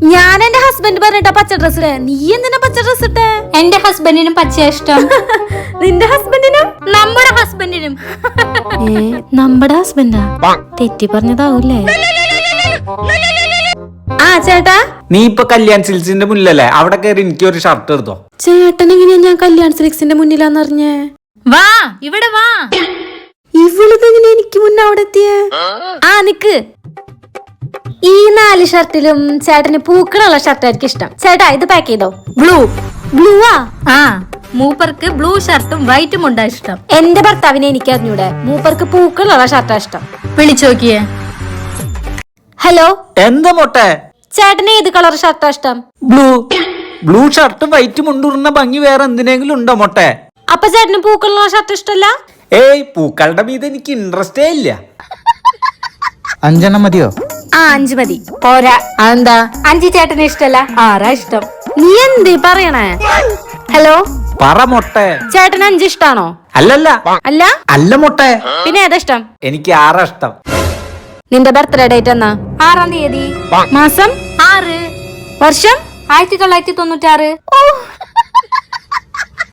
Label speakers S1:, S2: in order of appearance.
S1: ഞാൻ എന്റെ ഹസ്ബൻഡ് പറഞ്ഞിട്ടാ പച്ച ഡ്രസ് ഇടേ. നീ എന്തിനാ പച്ച ഡ്രസ് ഇട്ടേ?
S2: എന്റെ ഹസ്ബൻഡിനും പച്ച ഇഷ്ടം.
S1: നിന്റെ ഹസ്ബൻഡിനും?
S2: നമ്മുടെ ഹസ്ബൻഡിനും.
S1: നമ്മുടെ ഹസ്ബൻഡാ? തെറ്റി പറഞ്ഞതാവൂലേ? ആ ചേട്ടാ,
S3: നീ ഇപ്പൊ കല്യാൺ സിൽസിന്റെ മുന്നിലല്ലേ, അവിടെ കയറി എനിക്ക് ഒരു ഷർട്ട് എടുത്തോ.
S1: ചേട്ടൻ എങ്ങനെയാ ഞാൻ കല്യാൺ സിൽക്സിന്റെ മുന്നിലാന്നറിഞ്ഞേ?
S2: വാ ഇവിടെ വാ.
S1: ഇവളിതെങ്ങനെ എനിക്ക് മുന്നേ അവിടെ എത്തിയേ? ആ നിക്ക്. ഈ 4 ഷർട്ടിലും ചേട്ടന് പൂക്കളുള്ള ഷർട്ടായിരിക്കും ഇഷ്ടം. ചേട്ടാ ഇത് പാക്ക് ചെയ്തോ. ബ്ലൂവാ?
S2: ആ, മൂപ്പർക്ക് ബ്ലൂ ഷർട്ടും വൈറ്റും ഉണ്ടാ ഇഷ്ടം.
S1: എന്റെ ഭർത്താവിനെ എനിക്ക് അറിഞ്ഞൂടെ, മൂപ്പർക്ക് പൂക്കളുള്ള ഷർട്ടാ ഇഷ്ടം.
S2: വിളിച്ചു നോക്കിയേ.
S1: ഹലോ,
S3: എന്താ മൊട്ടെ?
S1: ചേട്ടന് ഏത് കളർ ഷർട്ടാ ഇഷ്ടം?
S3: ബ്ലൂ ഷർട്ടും വൈറ്റും മുണ്ടുന്ന ഭംഗി വേറെ എന്തിനെങ്കിലും ഉണ്ടോ മൊട്ടെ?
S1: അപ്പൊ ചേട്ടന് പൂക്കളുള്ള ഷർട്ട് ഇഷ്ടല്ല?
S3: ഏയ്, പൂക്കളുടെ മീത് എനിക്ക് ഇൻട്രസ്റ്റേ ഇല്ല. 5 മതിയോ?
S1: ആ 5 മതി. പോരാ. എന്താ? 5 ചേട്ടന് ഇഷ്ടല്ല, 6 ഇഷ്ടം. നീ എന്തേ പറയണേ? ഹലോ,
S3: പറ മൊട്ടെ.
S1: ചേട്ടന് 5 ഇഷ്ടാണോ?
S3: അല്ലല്ല
S1: അല്ല
S3: അല്ല മൊട്ടെ,
S1: പിന്നെ ഏതാ ഇഷ്ടം?
S3: എനിക്ക് 6 ഇഷ്ടം.
S1: നിന്റെ ബർത്ത്ഡേ ഡേറ്റ് എന്നാ?
S2: 6-ാം തീയതി.
S1: മാസം?
S2: 6.
S1: വർഷം?
S2: 1996.
S1: ഓ